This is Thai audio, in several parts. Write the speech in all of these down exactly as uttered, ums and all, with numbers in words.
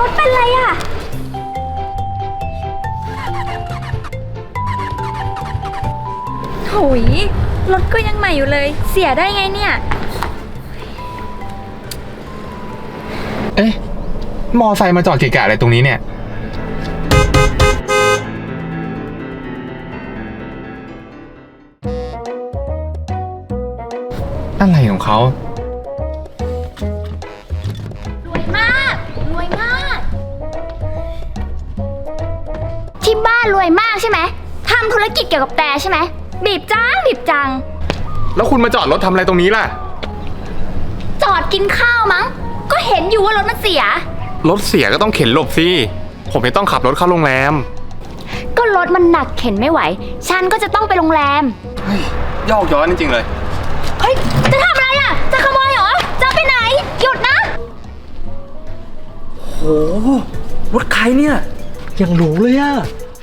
ถเป็นไรอะโถยรถก็ยังใหม่อยู่เลยเสียได้ไงเนี่ยเอ๊ะมอไซค์มาจอดเกะกะอะไรตรงนี้เนี่ยอะไรของเขารวยมากรวยมากที่บ้านรวยมากใช่ไหมทำธุรกิจเกี่ยวกับแต่ใช่ไหมบีบจังบีบจังแล้วคุณมาจอดรถทำอะไรตรงนี้ล่ะจอดกินข้าวมั้งก็เห็นอยู่ว่ารถมันเสียรถเสียก็ต้องเข็นหลบสิผมจะต้องขับรถเข้าโรงแรมก็รถมันหนักเข็นไม่ไหวฉันก็จะต้องไปโรงแรมยอกย้อนจริงๆเลยเฮ้ยจะทำอะไรอ่ะจะขโมยเหรอจะไปไหนหยุดนะโหรถใครเนี่ยยังหรูเลยอะ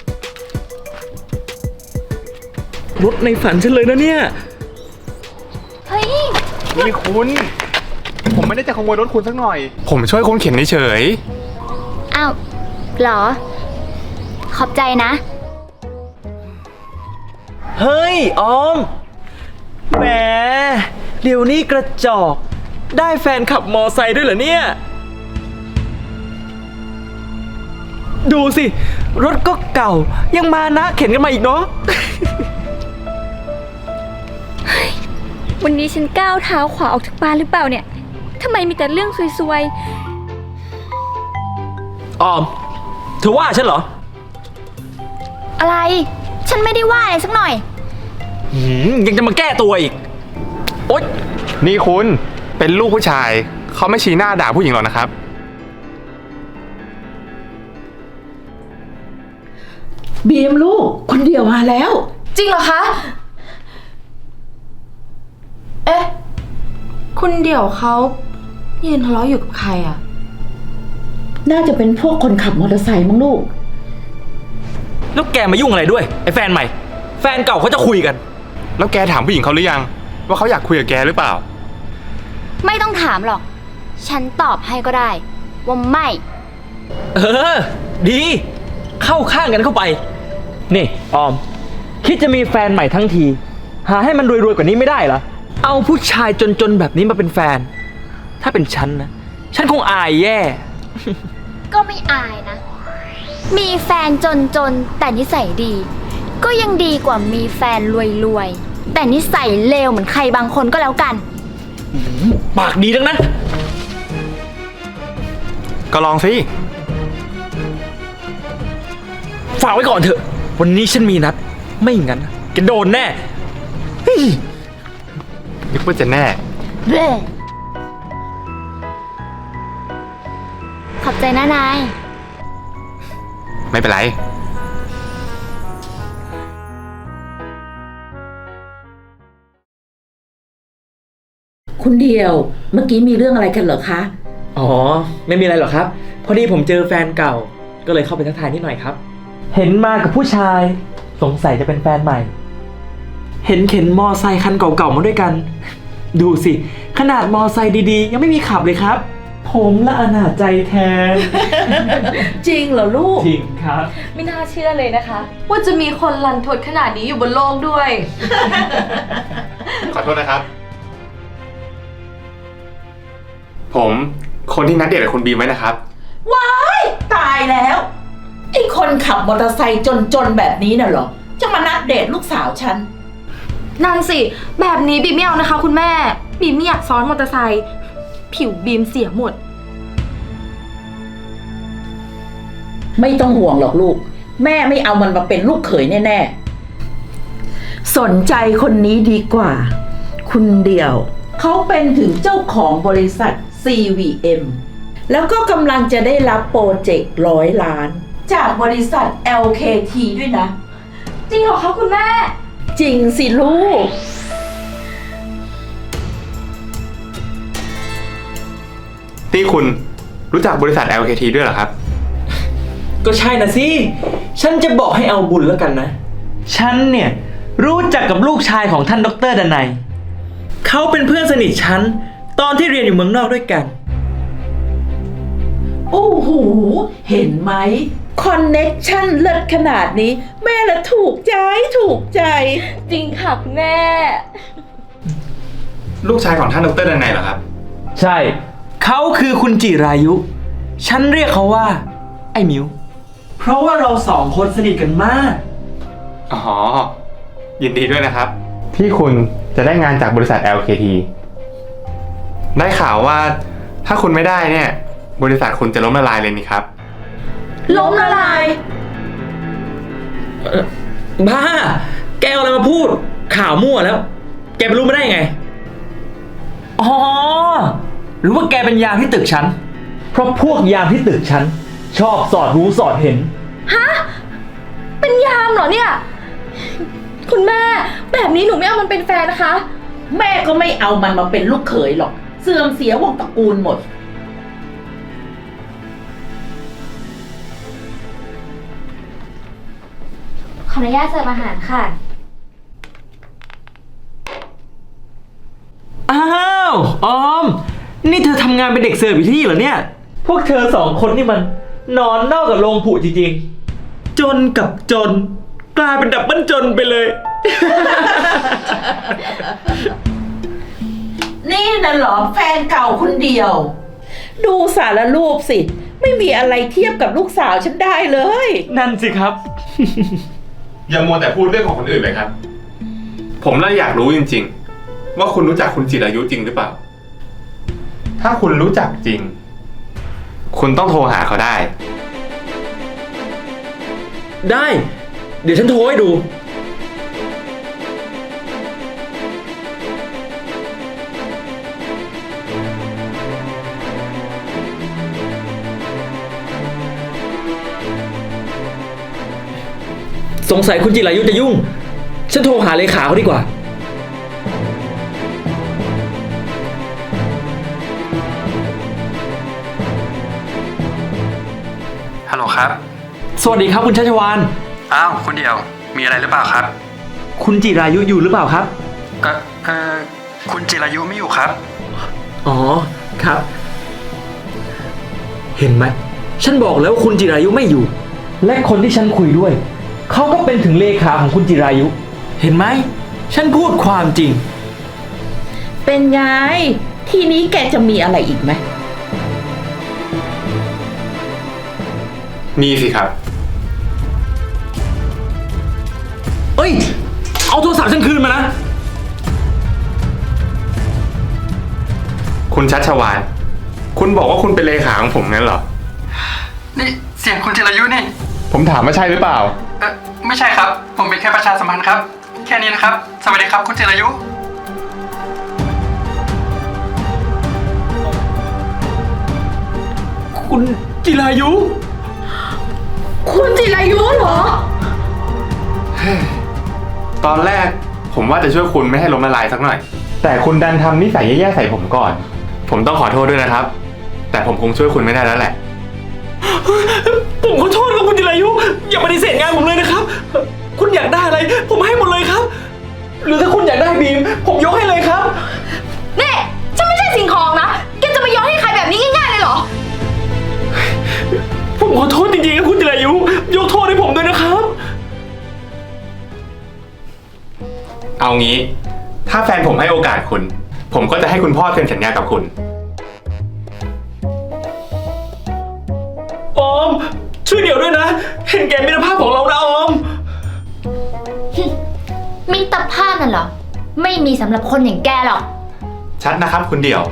รถในฝันฉันเลยนะเนี่ยเฮ้ยนี่คุณผมไม่ได้จะขโมยรถคุณสักหน่อยผมช่วยคุณเข็นเฉยอ้าวเหรอขอบใจนะเฮ้ยออมแหมเดี๋ยวนี้กระจอกได้แฟนขับมอไซค์ด้วยเหรอเนี่ยดูสิรถก็เก่ายังมานะเข็นกันมาอีกเนาะวันนี้ฉันก้าวเท้าขวาออกจากบ้านหรือเปล่าเนี่ยทำไมมีแต่เรื่องซวยๆออมเธอว่าฉันเหรออะไรฉันไม่ได้ว่าอะไรสักหน่อยหืมยังจะมาแก้ตัวอีกโอ๊ยนี่คุณเป็นลูกผู้ชายเขาไม่ชี้หน้าด่าผู้หญิงหรอกนะครับบีมลูกคนเดียวมาแล้วจริงเหรอคะเอ๊ะคุณเดี่ยวเขายืนทะเลาะอยู่กับใครอ่ะน่าจะเป็นพวกคนขับมอเตอร์ไซค์มั้งลูกแล้วแกมายุ่งอะไรด้วยไอ้แฟนใหม่แฟนเก่าเขาจะคุยกันแล้วแกถามผู้หญิงเขาหรือยังว่าเขาอยากคุยกับแกหรือเปล่าไม่ต้องถามหรอกฉันตอบให้ก็ได้ว่าไม่เออดีเข้าข้างกันเข้าไปนี่ออมคิดจะมีแฟนใหม่ทั้งทีหาให้มันรวยๆกว่านี้ไม่ได้เหรอเอาผู้ชายจนๆแบบนี้มาเป็นแฟนถ้าเป็นฉันนะฉันคงอายแย่ก็ไม่อายนะมีแฟนจนๆแต่นิสัยดีก็ยังดีกว่ามีแฟนรวยๆแต่นิสัยเลวเหมือนใครบางคนก็แล้วกันปากดีทั้งนั้นก็ลองสิฝากไว้ก่อนเถอะวันนี้ฉันมีนัดไม่งั้นแกโดนแน่นึกว่าจะแน่เบ้ขอบใจนะนายไม่เป็นไรคุณเดียวเมื่อกี้มีเรื่องอะไรกันเหรอคะอ๋อไม่มีอะไรหรอกครับพอดีผมเจอแฟนเก่าก็เลยเข้าไปทักทายนิดหน่อยครับเห็นมากับผู้ชายสงสัยจะเป็นแฟนใหม่เห็นเข็นมอไซค์คันเก่าๆมาด้วยกันดูสิขนาดมอไซค์ดีๆยังไม่มีขับเลยครับผมละอนาจใจแทนจริงเหรอลูกจริงครับไม่น่าเชื่อเลยนะคะว่าจะมีคนรันทดขนาดนี้อยู่บนโลกด้วยขอโทษนะครับผมคนที่นัดเดทกับคุณบีมไว้นะครับว้ายตายแล้วไอ้คนขับมอเตอร์ไซค์จนๆแบบนี้น่ะเหรอจะมานัดเดทลูกสาวฉันนั่นสิแบบนี้บีมไม่เอานะคะคุณแม่บีมไม่อยากซ้อนมอเตอร์ไซค์ผิวบีมเสียหมดไม่ต้องห่วงหรอกลูกแม่ไม่เอามันมาเป็นลูกเขยแน่ๆสนใจคนนี้ดีกว่าคุณเดียวเขาเป็นถึงเจ้าของบริษัท ซี วี เอ็ม แล้วก็กำลังจะได้รับโปรเจกต์ร้อยล้านจากบริษัท แอล เค ที ด้วยนะจริงเหรอคะคุณแม่จริงสิลูกที่คุณรู้จักบริษัท แอล เค ที ด้วยเหรอครับก็ใช่นะสิฉันจะบอกให้เอาบุญแล้วกันนะฉันเนี่ยรู้จักกับลูกชายของท่านดร.ดนัยเขาเป็นเพื่อนสนิทฉันตอนที่เรียนอยู่เมืองนอกด้วยกันโอ้โห เห็นไหม คอนเน็กชั่นเลิศขนาดนี้ แม่ละถูกใจถูกใจจริงค่ะคุณแม่ลูกชายของท่านดรดันัยเหรอครับใช่ เขาคือคุณจิรายุ ฉันเรียกเขาว่า ไอ้มิว เพราะว่าเราสองคนสนิทกันมากอ๋อ ยินดีด้วยนะครับ ที่คุณจะได้งานจากบริษัท แอล เค ที ได้ข่าวว่าถ้าคุณไม่ได้เนี่ย บริษัทคุณจะล้มละลายเลยนี่ครับล้มละลายบ้า แกเอาอะไรมาพูด ข่าวมั่วแล้ว แกไปรู้มาได้ยังไง อ๋อ หรือว่าแกเป็นยามที่ตึกฉัน เพราะพวกยามที่ตึกฉัน ชอบสอดรู้สอดเห็นฮะ เป็นยามเหรอเนี่ย คุณแม่ แบบนี้หนูไม่เอามันเป็นแฟนนะคะแม่ก็ไม่เอามันมาเป็นลูกเขยหรอก เสื่อมเสียวงตระกูลหมดขออนุญาตเสิร์ฟอาหารค่ะอ้าว ออม นี่เธอทำงานเป็นเด็กเสิร์ฟอยู่ที่นี่เหรอเนี่ย พวกเธอสองคนนี่มันนอนนอกกับโรงผูจริงๆ จนกับจน กลายเป็นดับเบิลจนไปเลยนี่น่ะเหรอแฟนเก่าคนเดียว ดูสารรูปสิ ไม่มีอะไรเทียบกับลูกสาวฉันได้เลยนั่นสิครับอย่ามัวแต่พูดเรื่องของคนอื่นเลยครับ ผมเลยอยากรู้จริงๆ ว่าคุณรู้จักคุณจิรายุจริงหรือเปล่า ถ้าคุณรู้จักจริง คุณต้องโทรหาเขาได้ได้ เดี๋ยวฉันโทรให้ดู สงสัยคุณจิรายุจะยุ่ง ฉันโทรหาเลขาเขาดีกว่าฮัลโหลครับสวัสดีครับคุณชัชวานอ้าว คุณเดียว มีอะไรหรือเปล่าครับคุณจิรายุอยู่หรือเปล่าครับก็เออคุณจิรายุไม่อยู่ครับอ๋อ ครับ เห็นไหม ฉันบอกแล้วว่าคุณจิรายุไม่อยู่ และคนที่ฉันคุยด้วย เขาก็เป็นถึงเลขาของคุณจิรายุ เห็นไหม ฉันพูดความจริงเป็นไง ทีนี้แกจะมีอะไรอีกไหมมีสิครับเอ้ย เอาโทรศัพท์ฉันคืนมานะคุณชัชวาน คุณบอกว่าคุณเป็นเลขาของผมงั้นเหรอนี่เสียงคุณจิรายุนี่ผมถามว่าใช่หรือเปล่าเออไม่ใช่ครับ ผมเป็นแค่ประชาสัมพันธ์ครับ แค่นี้นะครับ สวัสดีครับคุณจิรายุคุณจิรายุคุณจิรายุเหรอตอนแรกผมว่าจะช่วยคุณไม่ให้ล้มละลายสักหน่อย แต่คุณดันทำนิสัยแย่ๆใส่ผมก่อน ผมต้องขอโทษด้วยนะครับ แต่ผมคงช่วยคุณไม่ได้แล้วแหละผมขอโทษครับคุณจิรายุ อย่าปฏิเสธงานผมเลยนะครับ คุณอยากได้อะไร ผมให้หมดเลยครับ หรือถ้าคุณอยากได้บีม ผมยกให้เลยครับนี่ฉันไม่ใช่สิ่งของนะ แกจะมาย้อนให้ใครแบบนี้ง่ายๆเลยเหรอผมขอโทษจริงๆครับคุณจิรายุ ยกโทษให้ผมด้วยนะครับเอางี้ ถ้าแฟนผมให้โอกาสคุณ ผมก็จะให้คุณพ่อเซ็นสัญญากับคุณออม ช่วยเดี๋ยวด้วยนะ เห็นแก่มิตรภาพของเรานะออมมิตรภาพนั่นเหรอ ไม่มีสำหรับคนอย่างแกหรอกชัดนะครับคุณเดี่ยว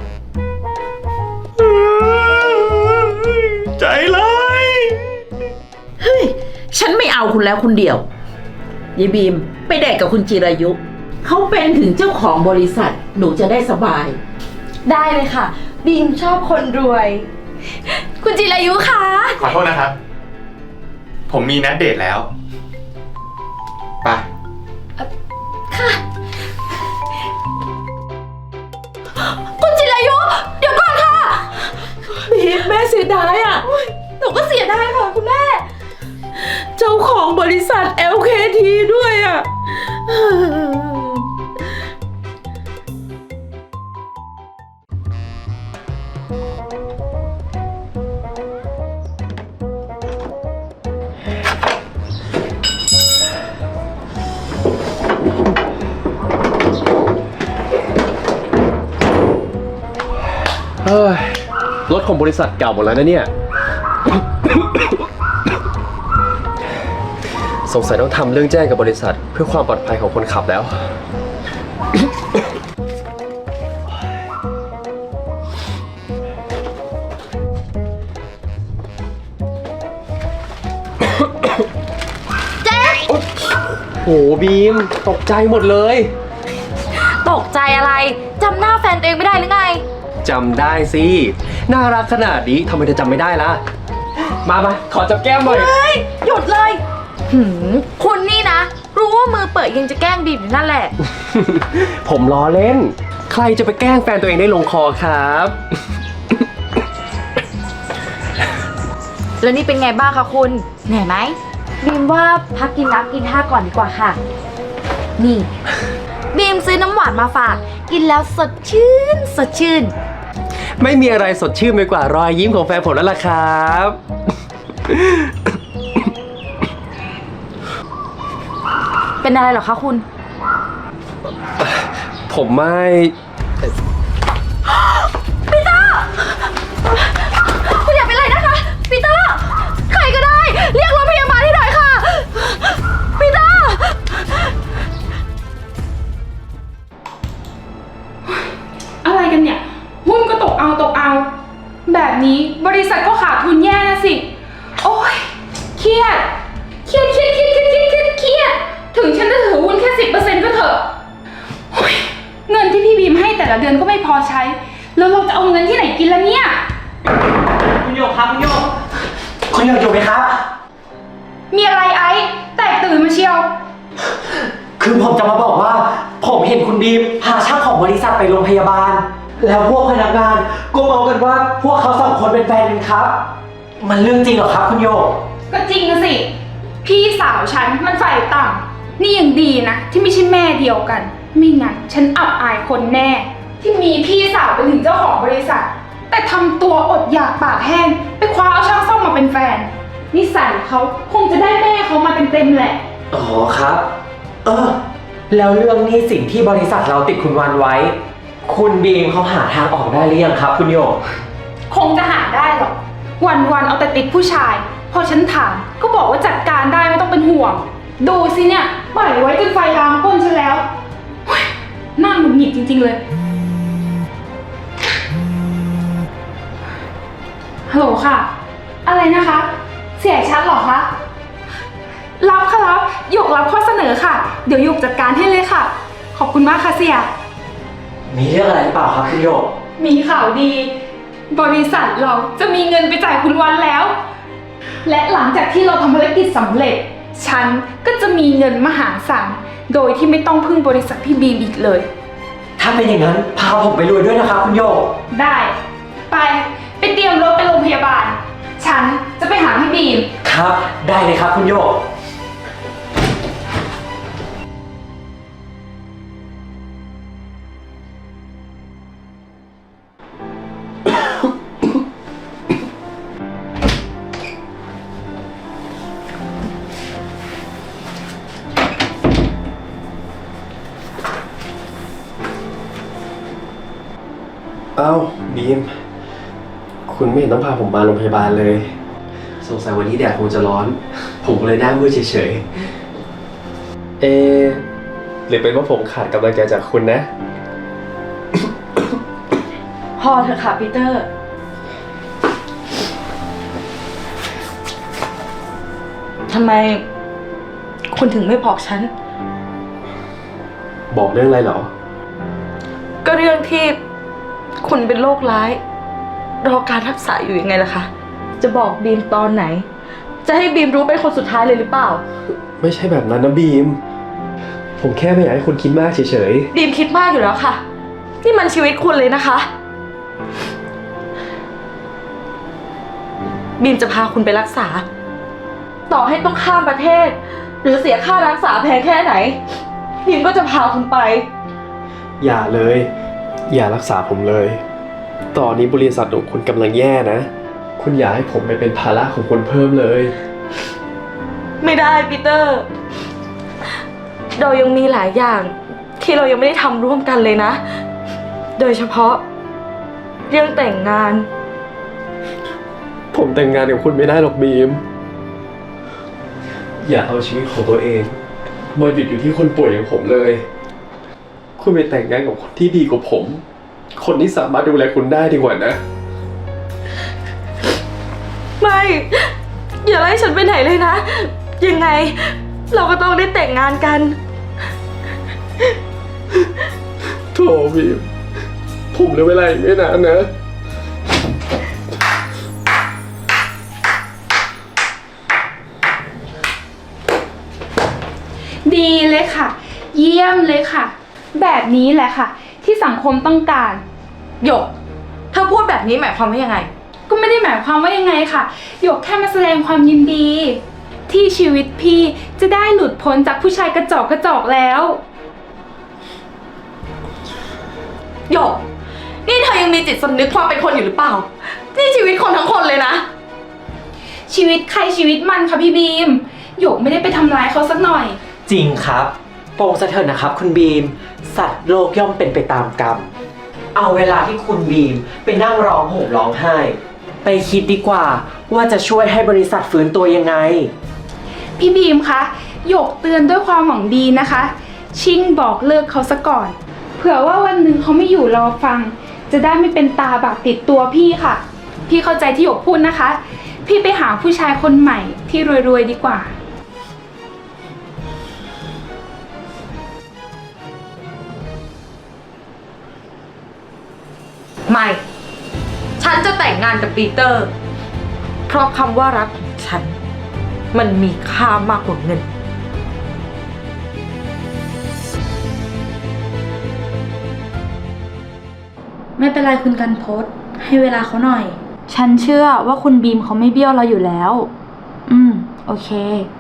ใจร้ายเฮ้ย ฉันไม่เอาคุณแล้วคุณเดียวยายบีมไปแดกกับคุณจิรายุ เขาเป็นถึงเจ้าของบริษัท หนูจะได้สบายได้เลยค่ะ บีมชอบคนรวย คุณจิรายุคะขอโทษนะครับ ผมมีนัดเดทแล้ว ไปค่ะ คุณจิรายุ เดี๋ยวก่อนค่ะบีมแม่เสียดายอ่ะหนูก็เสียดายค่ะคุณแม่เจ้าของบริษัท แอล เค ที ด้วยอ่ะของบริษัทเก่าหมดแล้วนะเนี่ย สงสัยต้องทำเรื่องแจ้งกับบริษัทเพื่อความปลอดภัยของคนขับแล้ว โหบีมตกใจหมดเลยตกใจอะไร จำหน้าแฟนตัวเองไม่ได้หรือไงจำได้สิ น่ารักขนาดนี้ทำไมเธอจำไม่ได้ล่ะ มามาขอจับแก้มหน่อยเฮ้ย หยุดเลย หืม คุณนี่นะ รู้ว่ามือเปิดยังจะแกล้งบีมอยู่นั่นแหละผมล้อเล่น ใครจะไปแกล้งแฟนตัวเองได้ลงคอครับแล้วนี่เป็นไงบ้างคะคุณ เหนื่อยไหมบีมว่าพักกินน้ำกินท่าก่อนดีกว่าค่ะ นี่ บีมซื้อน้ำหวานมาฝาก กินแล้วสดชื่น สดชื่นไม่มีอะไรสดชื่นไปกว่ารอยยิ้มของแฟนผมแล้วล่ะครับเป็นอะไรเหรอคะคุณผมไม่คุณอย่าเป็นไรนะคะปีเตอร์ ใครก็ได้ เรียกรถพยาบาลให้หน่อยค่ะปีเตอร์อะไรกันเนี่ย หุ้นก็ตกเอาตกเอา แบบนี้บริษัทก็ขาดทุนแย่นะสิ โอ้ยเครียดเครียดเครียดเครียดเครียดเครียดเครียดเครียดถึงฉันจะถือหุ้นแค่สิบเปอร์เซ็นต์ก็เถอะโอ้ยเงินที่พี่บีมให้แต่ละเดือนก็ไม่พอใช้ แล้วเราจะเอาเงินที่ไหนกินล่ะเนี่ยคุณโยกครับคุณโยกคุณโยกอยู่ไหมครับมีอะไรไอ้แตกตื่นมาเชียวคือผมจะมาบอกว่า ผมเห็นคุณบีมพาช่างของบริษัทไปโรงพยาบาล แล้วพวกพนักงานก็เมากันว่าพวกเขาสองคนเป็นแฟนกันครับ มันเรื่องจริงเหรอครับคุณโยกก็จริงนะสิ พี่สาวฉันมันฝ่ายต่ำนี่ยังดีนะ ที่ไม่ใช่แม่เดียวกัน ไม่งั้นฉันอับอายคนแน่ ที่มีพี่สาวเป็นถึงเจ้าของบริษัท แต่ทำตัวอดอยากปากแห้ง ไปคว้าเอาช่างซ่อมมาเป็นแฟนนิสัยเขาคงจะได้แม่เขามาเต็มๆแหละอ๋อครับ เออ แล้วเรื่องหนี้สินที่บริษัทเราติดคุณวันไว้ คุณบีมเขาหาทางออกได้หรือยังครับ คุณโยกคงจะหาได้หรอก วันๆเอาแต่ติดผู้ชาย พอฉันถามก็บอกว่าจัดการได้ไม่ต้องเป็นห่วง ดูสิเนี่ยปล่อยไว้จนไฟลามก้นฉันแล้วเฮ้ยน่าหงุดหงิดจริงๆเลย ฮัลโหลค่ะ อะไรนะคะ เสียชัดเหรอคะ รับค่ะรับหยกรับข้อเสนอค่ะ เดี๋ยวหยกจัดการให้เลยค่ะ ขอบคุณมากค่ะเสียมีเรื่องอะไรหรือเปล่าครับคุณโยกมีข่าวดี บริษัทเราจะมีเงินไปจ่ายคุณวันแล้ว และหลังจากที่เราทำภารกิจสำเร็จ ฉันก็จะมีเงินมหาศาลโดยที่ไม่ต้องพึ่งบริษัทพี่บีมอีกเลยถ้าเป็นอย่างนั้นพาผมไปรวยด้วยนะครับคุณโยกได้ ไปไปเตรียมรถไปโรงพยาบาล ฉันจะไปหาพี่บีมครับ ได้เลยครับคุณโยกเอ้าบีม คุณไม่เห็นต้องพาผมมาโรงพยาบาลเลย สงสัยวันนี้แดดคงจะร้อน ผมก็เลยหน้ามืดเฉยๆ เอะหรือเป็นว่าผมขาดกำลังใจจากคุณนะพอเถอะค่ะปีเตอร์ ทำไมคุณถึงไม่บอกฉันบอกเรื่องอะไรเหรอก็เรื่องที่คุณเป็นโรคร้าย รอการรักษาอยู่ยังไงล่ะคะ จะบอกบีมตอนไหน จะให้บีมรู้เป็นคนสุดท้ายเลยหรือเปล่าไม่ใช่แบบนั้นนะบีม ผมแค่ไม่อยากให้คุณคิดมากเฉยบีมคิดมากอยู่แล้วค่ะ นี่มันชีวิตคุณเลยนะคะ บีมจะพาคุณไปรักษา ต่อให้ต้องข้ามประเทศ หรือเสียค่ารักษาแพงแค่ไหน บีมก็จะพาคุณไปๆ อย่าเลย อย่ารักษาผมเลย ตอนนี้บริษัทของคุณกำลังแย่นะ คุณอย่าให้ผมไปเป็นภาระของคนเพิ่มเลยไม่ได้ปีเตอร์ เรายังมีหลายอย่างที่เรายังไม่ได้ทำร่วมกันเลยนะ โดยเฉพาะเรื่องแต่งงานผมแต่งงานกับคุณไม่ได้หรอกบีม อย่าเอาชีวิตของตัวเองมาหยุดอยู่ที่คนป่วยอย่างผมเลย คุณไปแต่งงานกับคนที่ดีกว่าผม คนที่สามารถดูแลคุณได้ดีกว่านะไม่ อย่าไล่ฉันไปไหนเลยนะ ยังไง เราก็ต้องได้แต่งงานกันโถบีม ผมเหลือเวลาอีกไม่นานนะดีเลยค่ะ เยี่ยมเลยค่ะ แบบนี้แหละค่ะ ที่สังคมต้องการหยกเธอพูดแบบนี้หมายความว่ายังไงก็ไม่ได้หมายความว่ายังไงค่ะหยกแค่มาแสดงความยินดี ที่ชีวิตพี่จะได้หลุดพ้นจากผู้ชายกระจอกกระจอกแล้วหยก นี่เธอยังมีจิตสำนึกความเป็นคนอยู่หรือเปล่า นี่ชีวิตคนทั้งคนเลยนะชีวิตใครชีวิตมันค่ะพี่บีมหยกไม่ได้ไปทำร้ายเขาสักหน่อยจริงครับโปรงสะเถิดนะครับคุณบีม สัตว์โลกย่อมเป็นไปตามกรรม เอาเวลาที่คุณบีมไปนั่งร้องห่มร้องไห้ ไปคิดดีกว่าว่าจะช่วยให้บริษัทฟื้นตัวยังไงพี่บีมคะหยกเตือนด้วยความหวังดีนะคะ ชิ่งบอกเลิกเขาซะก่อน เผื่อว่าวันหนึ่งเขาไม่อยู่รอฟัง จะได้ไม่เป็นตาบาปติดตัวพี่ค่ะ พี่เข้าใจที่หยกพูดนะคะ พี่ไปหาผู้ชายคนใหม่ที่รวยๆดีกว่าไม่ ฉันจะแต่งงานกับปีเตอร์ เพราะคำว่ารักของฉัน มันมีค่ามากกว่าเงินไม่เป็นไรคุณกันพศให้เวลาเขาหน่อย ฉันเชื่อว่าคุณบีมเขาไม่เบี้ยวเราอยู่แล้ว อืม โอเค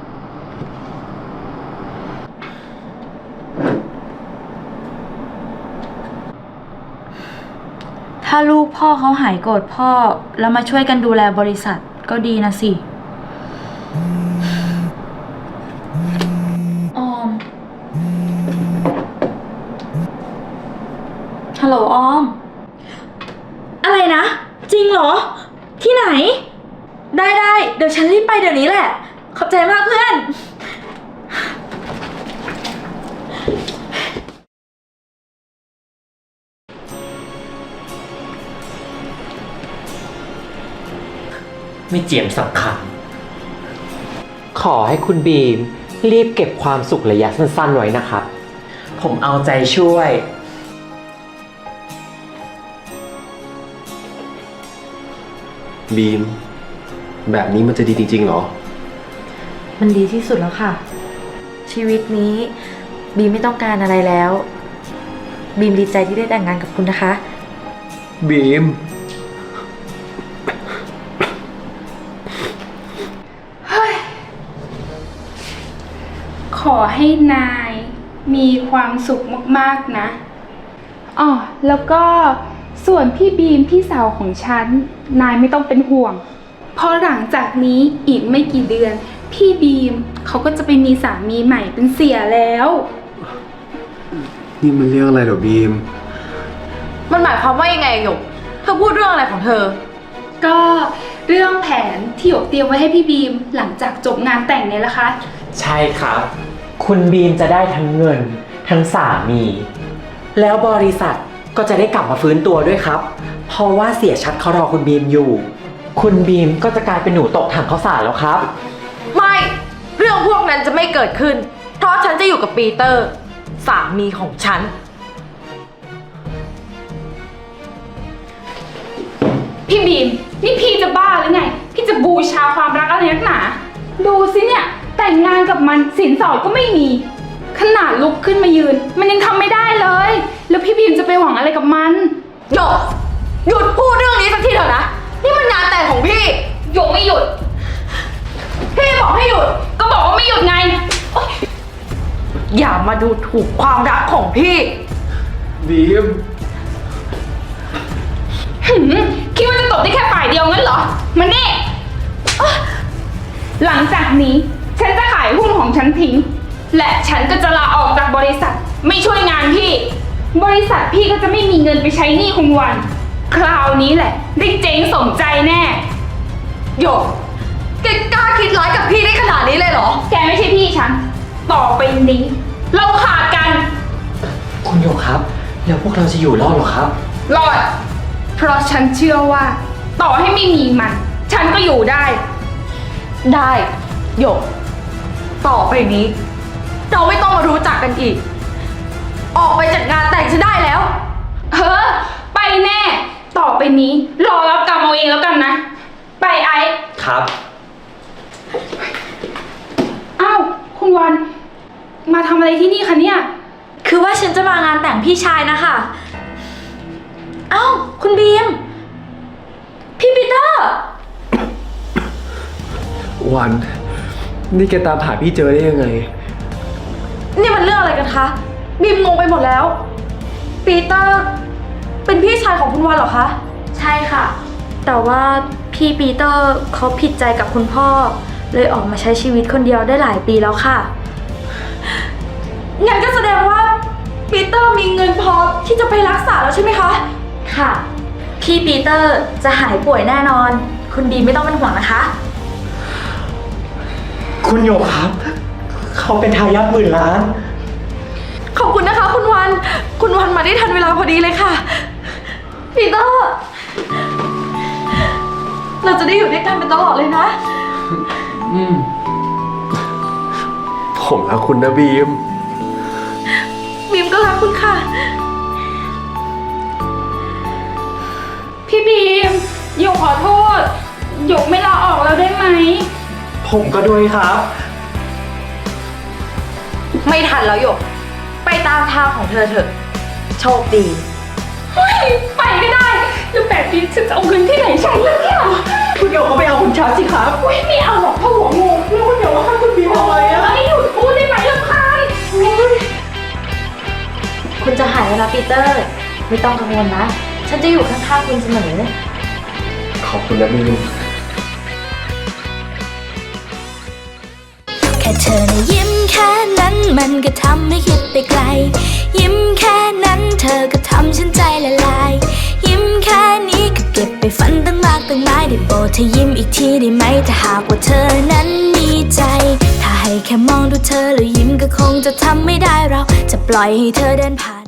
ถ้าลูกพ่อเขาหายโกรธพ่อ แล้วมาช่วยกันดูแลบริษัทก็ดีนะสิ ออม ฮัลโหลออม อะไรนะ จริงเหรอ ที่ไหน ได้ได้เดี๋ยวฉันรีบไปเดี๋ยวนี้แหละ ขอบใจมากเพื่อนไม่เจียมสังขารขอให้คุณบีมรีบเก็บความสุขระยะสั้นๆไว้นะครับ ผมเอาใจช่วยบีม แบบนี้มันจะดีจริงๆเหรอมันดีที่สุดแล้วค่ะ ชีวิตนี้บีมไม่ต้องการอะไรแล้ว บีมดีใจที่ได้แต่งงานกับคุณนะคะบีมขอให้นายมีความสุขมากๆนะอ๋อแล้วก็ส่วนพี่บีมพี่สาวของฉันนายไม่ต้องเป็นห่วงเพราะหลังจากนี้อีกไม่กี่เดือนพี่บีมเขาก็จะไปมีสามีใหม่เป็นเสียแล้วนี่มันเรื่องอะไรเหรอบีมมันหมายความว่ายังไงหยก เธอพูดเรื่องอะไรของเธอก็เรื่องแผนที่หยกเตรียมไว้ให้พี่บีมหลังจากจบงานแต่งเนี่ยแหละคะใช่ครับ คุณบีมจะได้ทั้งเงิน ทั้งสามี แล้วบริษัทก็จะได้กลับมาฟื้นตัวด้วยครับ เพราะว่าเสียชัดเขารอคุณบีมอยู่ คุณบีมก็จะกลายเป็นหนูตกถังข้าวสารแล้วครับไม่ เรื่องพวกนั้นจะไม่เกิดขึ้น เพราะฉันจะอยู่กับปีเตอร์ สามีของฉันพี่บีมนี่พี่จะบ้าหรือไง พี่จะบูชาความรักอะไรนักหนา ดูสิเนี่ยแต่งงานกับมันสินสอดก็ไม่มี ขนาดลุกขึ้นมายืน มันยังทำไม่ได้เลย แล้วพี่บีมจะไปหวังอะไรกับมันหยก หยุดพูดเรื่องนี้สักทีเถอะนะ นี่มันงานแต่งของพี่หยกไม่หยุดพี่บอกให้หยุดก็บอกว่าไม่หยุดไงโอ๊ยอย่ามาดูถูกความรักของพี่บีมหืมคิดว่าจะตบได้แค่ฝ่ายเดียวงั้นเหรอ มันนี่อ๊ะหลังจากนี้ฉันจะขายหุ้นของฉันทิ้ง และฉันก็จะลาออกจากบริษัทไม่ช่วยงานพี่ บริษัทพี่ก็จะไม่มีเงินไปใช้หนี้คงวัน คราวนี้แหละได้เจ๊งสมใจแน่โยกแกกล้าคิดร้ายกับพี่ได้ขนาดนี้เลยเหรอแกไม่ใช่พี่ฉัน ต่อไปนี้ เราขาดกันคุณโยกครับ แล้วพวกเราจะอยู่รอดหรอครับรอด เพราะฉันเชื่อว่า ต่อให้ไม่มีมัน ฉันก็อยู่ได้ได้โยกต่อไปนี้ เราไม่ต้องมารู้จักกันอีก ออกไปจากงานแต่งฉันได้แล้วเฮ้อ ไปแน่ ต่อไปนี้ รอรับกรรมเอาเองแล้วกันนะ ไปไอ้ครับอ้าว คุณวัน มาทำอะไรที่นี่คะเนี่ยคือว่าฉันจะมางานแต่งพี่ชายนะคะ เอ้า คุณบีม พี่ปีเตอร์วัน นี่แกตามหาพี่เจอได้ยังไงนี่มันเรื่องอะไรกันคะบีมงงไปหมดแล้ว ปีเตอร์ เป็นพี่ชายของคุณวันเหรอคะใช่ค่ะ แต่ว่าพี่ปีเตอร์เขาผิดใจกับคุณพ่อ เลยออกมาใช้ชีวิตคนเดียวได้หลายปีแล้วค่ะงั้นก็แสดงว่าปีเตอร์มีเงินพอที่จะไปรักษาแล้วใช่ไหมคะค่ะ พี่ปีเตอร์จะหายป่วยแน่นอน คุณบีมไม่ต้องเป็นห่วงนะคะคุณโยกครับ เขาเป็นทายาทหมื่นล้านขอบคุณนะคะ คุณวัน คุณวันมาได้ทันเวลาพอดีเลยค่ะ ปีเตอร์ เราจะได้อยู่ด้วยกันเป็นตลอดเลยนะอืม ผมรักคุณนะบีมบีมก็รักคุณค่ะพี่บีมหยกขอโทษหยกไม่ลาออกแล้วได้ไหมผมก็ด้วยครับไม่ทันแล้วหยก ไปตามทางของเธอเถอะ โชคดีเฮ้ย ไปไม่ได้แล้วแบบนี้ฉันจะเอาเงินที่ไหนใช้ล่ะเนี่ยคุณโยกเขาไปเอาคุณชัดสิครับอุ้ยไม่เอาหรอกเพราะหัวงูแล้วคุณหยกว่าค่ะคุณบีมอะไรอะไม่หยุดพูดได้ไหมลำคาญอุ๊ยคุณจะหายแล้วนะปีเตอร์ ไม่ต้องกังวลนะ ฉันจะอยู่ข้างๆคุณเสมอขอบคุณนะบีมแค่เธอนะยิ้มแค่นั้นมันก็ทำให้คิดไปไกล ยิ้มแค่นั้นเธอก็ทำฉันใจละลาย ยิ้มแค่นี้ก็เก็บไปฝันตั้งมากตั้งหลายได้โปรดเธอยิ้มอีกทีได้ไหมถ้าหากว่าเธอนั้นมีใจ ถ้าให้แค่มองดูเธอแล้วยิ้มก็คงจะทำไม่ได้เราจะปล่อยให้เธอเดินผ่าน